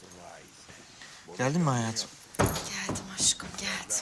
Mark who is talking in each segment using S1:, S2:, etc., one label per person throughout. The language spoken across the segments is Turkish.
S1: Geldin mi hayatım?
S2: Geldim aşkım, geldim.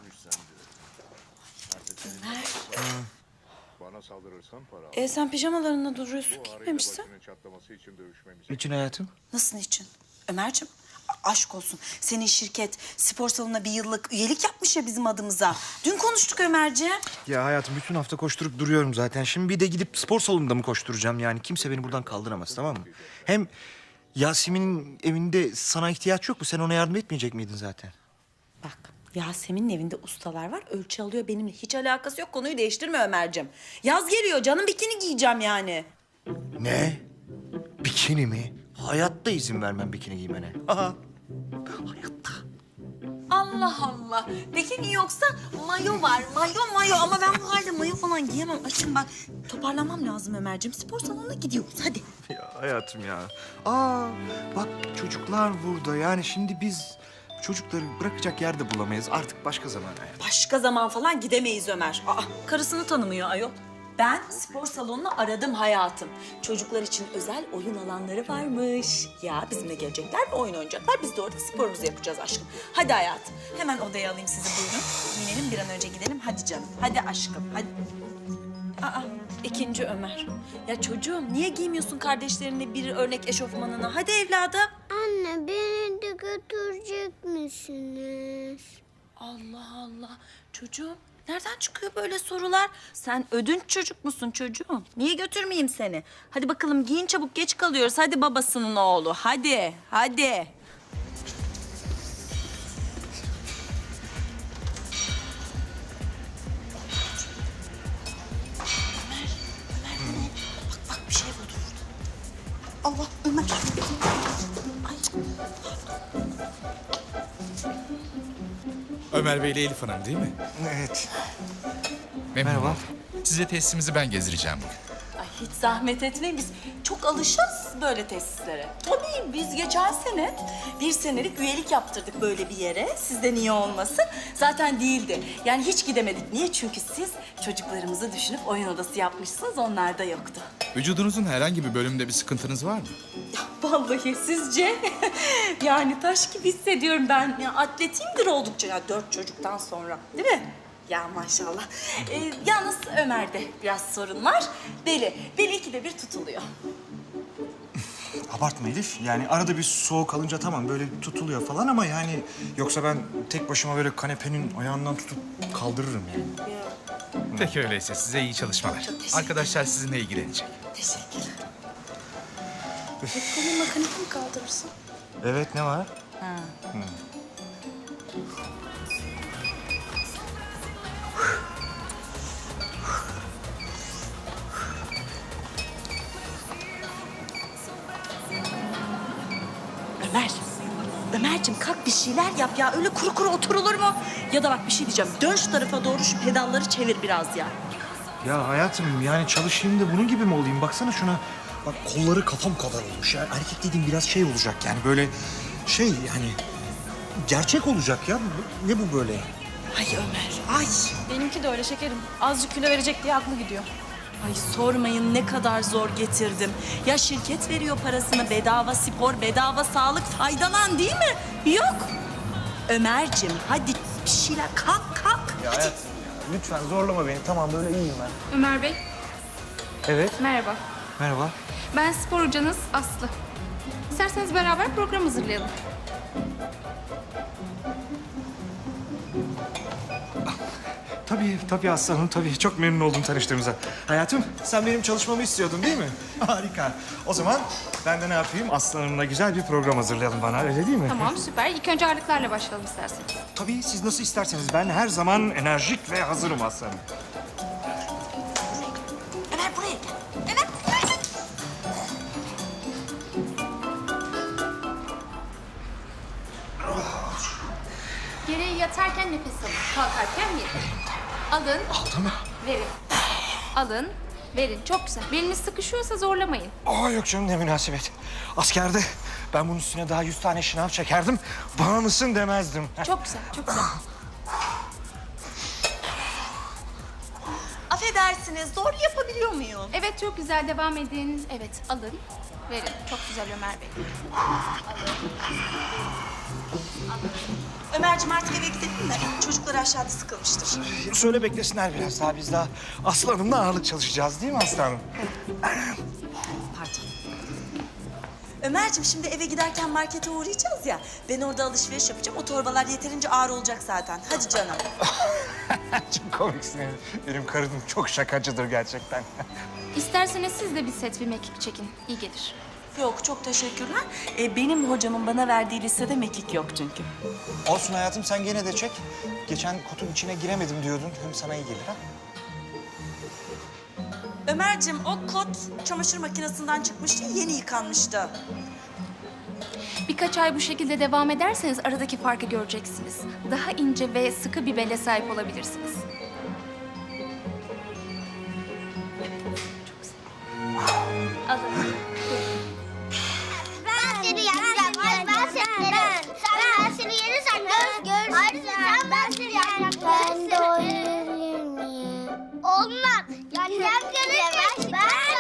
S2: Ömer.
S3: Bana saldırırsan para al.
S2: Sen pijamalarında duruyorsun, giymemişsin.
S3: Çatlaması için dövüşmemiz.
S1: Niçin hayatım?
S2: Nasıl için? Ömerciğim, aşk olsun. Senin şirket spor salonuna bir yıllık üyelik yapmış ya bizim adımıza. Dün konuştuk Ömerciğim.
S1: Ya hayatım bütün hafta koşturup duruyorum zaten. Şimdi bir de gidip spor salonunda mı koşturacağım yani? Kimse beni buradan kaldıramaz, tamam mı? Hem Yasemin'in evinde sana ihtiyaç yok mu? Sen ona yardım etmeyecek miydin zaten?
S2: Bak, Yasemin'in evinde ustalar var. Ölçü alıyor, benimle hiç alakası yok. Konuyu değiştirme Ömerciğim. Yaz geliyor, canım bikini giyeceğim yani.
S1: Ne? Bikini mi? Hayatta izin vermem bikini giymene. Aha. Hayatta.
S2: Allah Allah. Bikini yoksa mayo var. Mayo. Ama ben bu halde mayo falan giyemem. Aşkım bak, toparlamam lazım Ömerciğim. Spor salonuna gidiyoruz, hadi.
S1: Ya hayatım ya. Aa, bak çocuklar burada. Yani şimdi biz çocukları bırakacak yer de bulamayız. Artık başka zaman hayatım.
S2: Başka zaman falan gidemeyiz Ömer. Karısını tanımıyor ayol. Ben spor salonunu aradım hayatım. Çocuklar için özel oyun alanları varmış. Ya bizimle gelecekler ve oyun oynayacaklar. Biz de orada sporumuzu yapacağız aşkım. Hadi hayatım. Hemen odaya alayım sizi, buyurun. Giyinelim, bir an önce gidelim. Hadi canım. Hadi aşkım. Hadi. İkinci Ömer. Ya çocuğum niye giymiyorsun kardeşlerine bir örnek eşofmanını? Hadi evladım.
S4: Anne beni de götürecek misiniz?
S2: Allah Allah. Çocuğum nereden çıkıyor böyle sorular? Sen ödünç çocuk musun çocuğum? Niye götürmeyeyim seni? Hadi bakalım giyin çabuk, geç kalıyoruz. Hadi babasının oğlu. Hadi. Ömer. Bak bir şey buldu burada. Allah Ömer. Ay.
S5: Ömer Bey ile Elif Hanım değil mi?
S1: Evet.
S5: Memnun
S1: Merhaba.
S5: oldum. Size tesisimizi ben gezdireceğim bugün.
S2: Ay hiç zahmet etmeyin, biz çok alışırız böyle tesislere. Tabii biz geçen sene 1 senelik üyelik yaptırdık böyle bir yere. Sizde niye olmasın? Zaten değildi. Yani hiç gidemedik. Niye? Çünkü siz çocuklarımızı düşünüp oyun odası yapmışsınız, onlar da yoktu.
S5: Vücudunuzun herhangi bir bölümünde bir sıkıntınız var mı?
S2: Ya vallahi sizce? Yani taş gibi hissediyorum ben. Ya atletiyimdir oldukça ya 4 çocuktan sonra. Değil mi? Ya maşallah. Yalnız Ömer'de biraz sorun var. Beli ikide bir tutuluyor.
S1: Abartma Elif. Yani arada bir soğuk alınca tamam böyle tutuluyor falan ama yani... Yoksa ben tek başıma böyle kanepenin ayağından tutup kaldırırım yani.
S5: Peki öyleyse size iyi çalışmalar. Arkadaşlar sizinle ilgilenecek.
S2: Teşekkürler. Kolunla kanepe mi kaldırırsın?
S1: Evet, ne var?
S2: Ömerciğim kalk bir şeyler yap ya. Öyle kuru kuru oturulur mu? Ya da bak bir şey diyeceğim. Dön şu tarafa doğru, şu pedalları çevir biraz ya.
S1: Ya hayatım yani çalışayım da bunun gibi mi olayım? Baksana şuna. Bak kolları kafam kadar olmuş ya. Erkek dediğim biraz şey olacak yani böyle şey yani... Gerçek olacak ya. Ne bu böyle?
S2: Ay Ömer, ay.
S6: Benimki de öyle şekerim. Azıcık kilo verecek diye aklı gidiyor.
S2: Ay sormayın ne kadar zor getirdim. Ya şirket veriyor parasını, bedava spor, bedava sağlık, faydalan değil mi? Yok. Ömerciğim hadi bir şeyler kalk.
S1: Ya hayatım lütfen zorlama beni. Tamam böyle iyiyim ben.
S6: Ömer Bey,
S1: Evet.
S6: merhaba.
S1: Merhaba.
S6: Ben spor hocanız Aslı. İsterseniz beraber program hazırlayalım.
S1: Tabii aslanım tabii. Çok memnun oldum tanıştığımıza. Hayatım sen benim çalışmamı istiyordun değil mi? Harika. O zaman ben de ne yapayım? Aslanımla güzel bir program hazırlayalım bana öyle değil mi?
S6: Tamam, süper. İlk önce ağırlıklarla başlayalım isterseniz.
S1: Tabii siz nasıl isterseniz. Ben her zaman enerjik ve hazırım aslanım.
S2: Ömer buraya gel. Ömer buraya gel.
S6: Geriye yatarken nefes alın. Kalkarken verin. Alın.
S1: Aldı mı?
S6: Verin. Alın. Verin. Çok güzel. Beliniz sıkışıyorsa zorlamayın.
S1: Aa yok canım ne münasebet. Askerde ben bunun üstüne daha 100 tane şınav çekerdim. Bana mısın demezdim.
S6: Çok güzel, çok güzel.
S2: Affedersiniz doğru yapabiliyor muyum?
S6: Evet, çok güzel. Devam edin. Evet, alın. Verin. Çok güzel Ömer Bey. Alın.
S2: Ömerciğim artık eve gidelim de çocuklar aşağıda sıkılmıştır.
S1: Söyle beklesinler biraz daha. Biz daha Aslı Hanım'la ağırlık çalışacağız değil mi Aslı Hanım?
S2: Pardon. Ömerciğim şimdi eve giderken markete uğrayacağız ya. Ben orada alışveriş yapacağım. O torbalar yeterince ağır olacak zaten. Hadi canım.
S1: Çok komiksin. Benim karım çok şakacıdır gerçekten.
S6: İsterseniz siz de bir set bir mekik çekin. İyi gelir.
S2: Yok çok teşekkürler. Benim hocamın bana verdiği listede mekik yok çünkü.
S1: Olsun hayatım, sen gene de çek. Geçen kotun içine giremedim diyordun. Hem sana iyi gelir ha.
S2: Ömerciğim o kot çamaşır makinesinden çıkmıştı, yeni yıkanmıştı.
S6: Birkaç ay bu şekilde devam ederseniz aradaki farkı göreceksiniz. Daha ince ve sıkı bir bele sahip olabilirsiniz. Alın.
S4: Ben seni yeneceğim. Hayır ben seni yerim. Ben seni yerirsen görürsün. Hayır ben seni yeneceğim. Ben de oynayabilir miyim? Olmaz. Yeneceğim görürsün.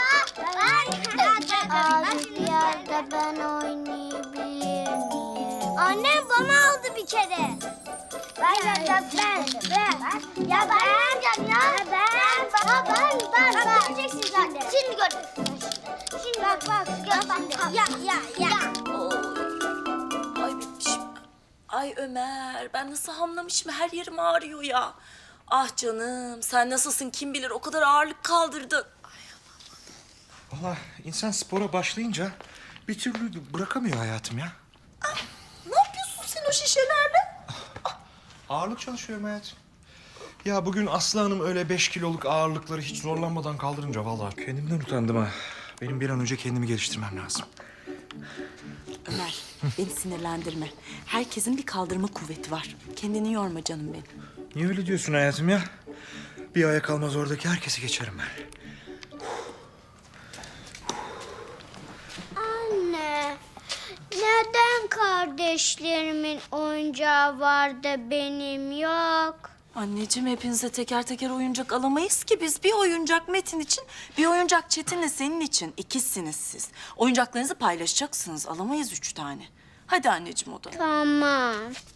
S4: Olimpiyatda ben oynayabilir miyim? Annem bana aldı bir kere. Ben. Ya ben yeneceğim ya. Ben. Göreceksin zaten. Şimdi göreceksin. Şimdi bak. Gör. Ya.
S2: Ay bitmişim. Ay Ömer, ben nasıl hamlamışım, her yerim ağrıyor ya. Ah canım, sen nasılsın kim bilir, o kadar ağırlık kaldırdın.
S1: Vallahi insan spora başlayınca bir türlü bırakamıyor hayatım ya.
S2: Ne yapıyorsun sen o şişelerle?
S1: Ağırlık çalışıyorum hayatım. Ya bugün Aslı Hanım öyle 5 kiloluk ağırlıkları hiç zorlanmadan kaldırınca vallahi kendimden utandım ha. Benim bir an önce kendimi geliştirmem lazım.
S2: Ömer, beni sinirlendirme. Herkesin bir kaldırma kuvveti var. Kendini yorma canım benim.
S1: Niye öyle diyorsun hayatım ya? Bir aya kalmaz oradaki herkesi geçerim ben.
S4: Anne, neden kardeşlerimin oyuncağı var da benim yok?
S2: Anneciğim hepinize teker teker oyuncak alamayız ki biz. Bir oyuncak Metin için, bir oyuncak Çetin'le senin için. İkizsiniz siz. Oyuncaklarınızı paylaşacaksınız. Alamayız 3 tane. Hadi anneciğim odana.
S4: Tamam.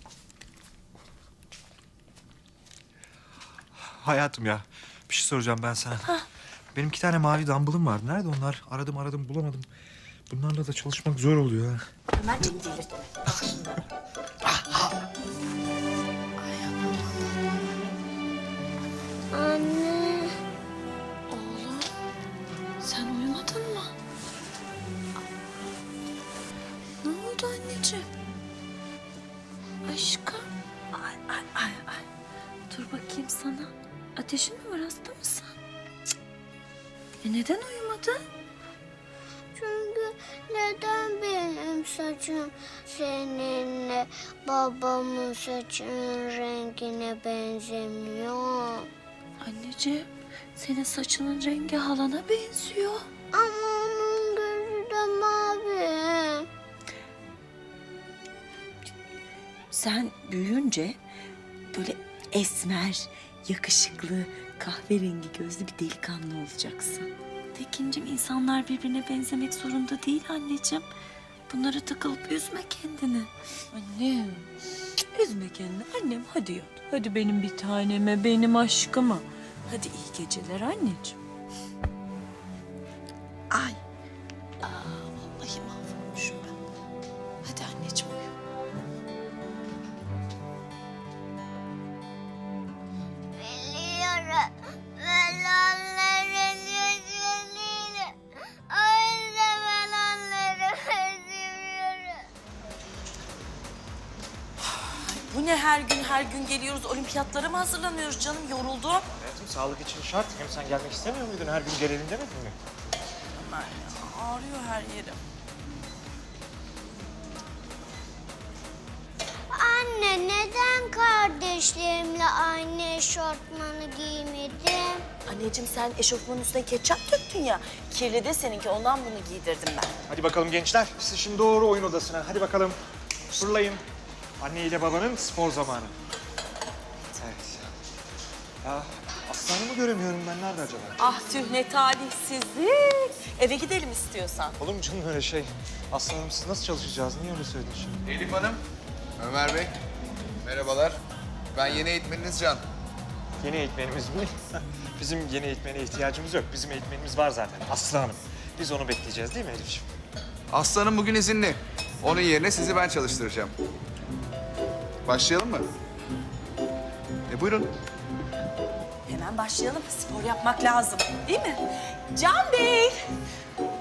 S1: Hayatım ya, bir şey soracağım ben sana. Benim 2 tane mavi dumbbellım vardı. Nerede onlar? Aradım bulamadım. Bunlarla da çalışmak zor oluyor ha.
S2: Ömerciğim delirtme.
S4: Anne.
S2: Oğlum, sen uyumadın mı? Ne oldu anneciğim? Aşkım. Ay. Dur bakayım sana. Ateşin mi var, hasta mısın? Cık. Neden uyumadın?
S4: Çünkü neden benim saçım seninle babamın saçının rengine benzemiyor?
S2: Anneciğim, senin saçının rengi halana benziyor.
S4: Ama onun gözü de mavi.
S2: Sen büyüyünce böyle esmer, yakışıklı, kahverengi gözlü bir delikanlı olacaksın. Tekincim, insanlar birbirine benzemek zorunda değil anneciğim. Bunlara takılıp üzme kendini. Annem, üzme kendini. Annem hadi yat. Hadi benim bir taneme, benim aşkıma. Hadi iyi geceler anneciğim. Ay. Vallahi mahvolmuşum ben. Hadi anneciğim uyu.
S4: Biliyorum. Ben onların yüzünü. O yüzden ben onları seviyorum.
S2: Bu ne her gün geliyoruz, olimpiyatlara mı hazırlanıyoruz canım? Yoruldum.
S1: Hayatım sağlık için şart. Hem sen gelmek istemiyor muydun? Her gün gelelim demedin mi?
S2: Ömer ya, ağrıyor her yerim.
S4: Anne neden kardeşlerimle aynı eşortmanı giymedim?
S2: Anneciğim sen eşofmanın üstüne ketçap döktün ya. Kirli de seninki, ondan bunu giydirdim ben.
S1: Hadi bakalım gençler. Siz şimdi doğru oyun odasına. Hadi bakalım. Fırlayın. Anne ile babanın spor zamanı. Evet. Ya Aslan'ı göremiyorum ben. Nerede acaba?
S2: Ah tüh ne talihsizlik. Eve gidelim istiyorsan.
S1: Olur mu canım öyle şey? Aslanım siz nasıl çalışacağız? Niye öyle söyledin şimdi?
S7: Elif Hanım, Ömer Bey. Merhabalar. Ben yeni eğitmeniniz Can.
S8: Yeni eğitmenimiz mi? Bizim yeni eğitmene ihtiyacımız yok. Bizim eğitmenimiz var zaten. Aslı Hanım. Biz onu bekleyeceğiz değil mi Elif'ciğim?
S7: Aslanım bugün izinli. Onun yerine sizi ben çalıştıracağım. Başlayalım mı? Buyurun.
S2: Hemen başlayalım. Spor yapmak lazım değil mi? Can Bey!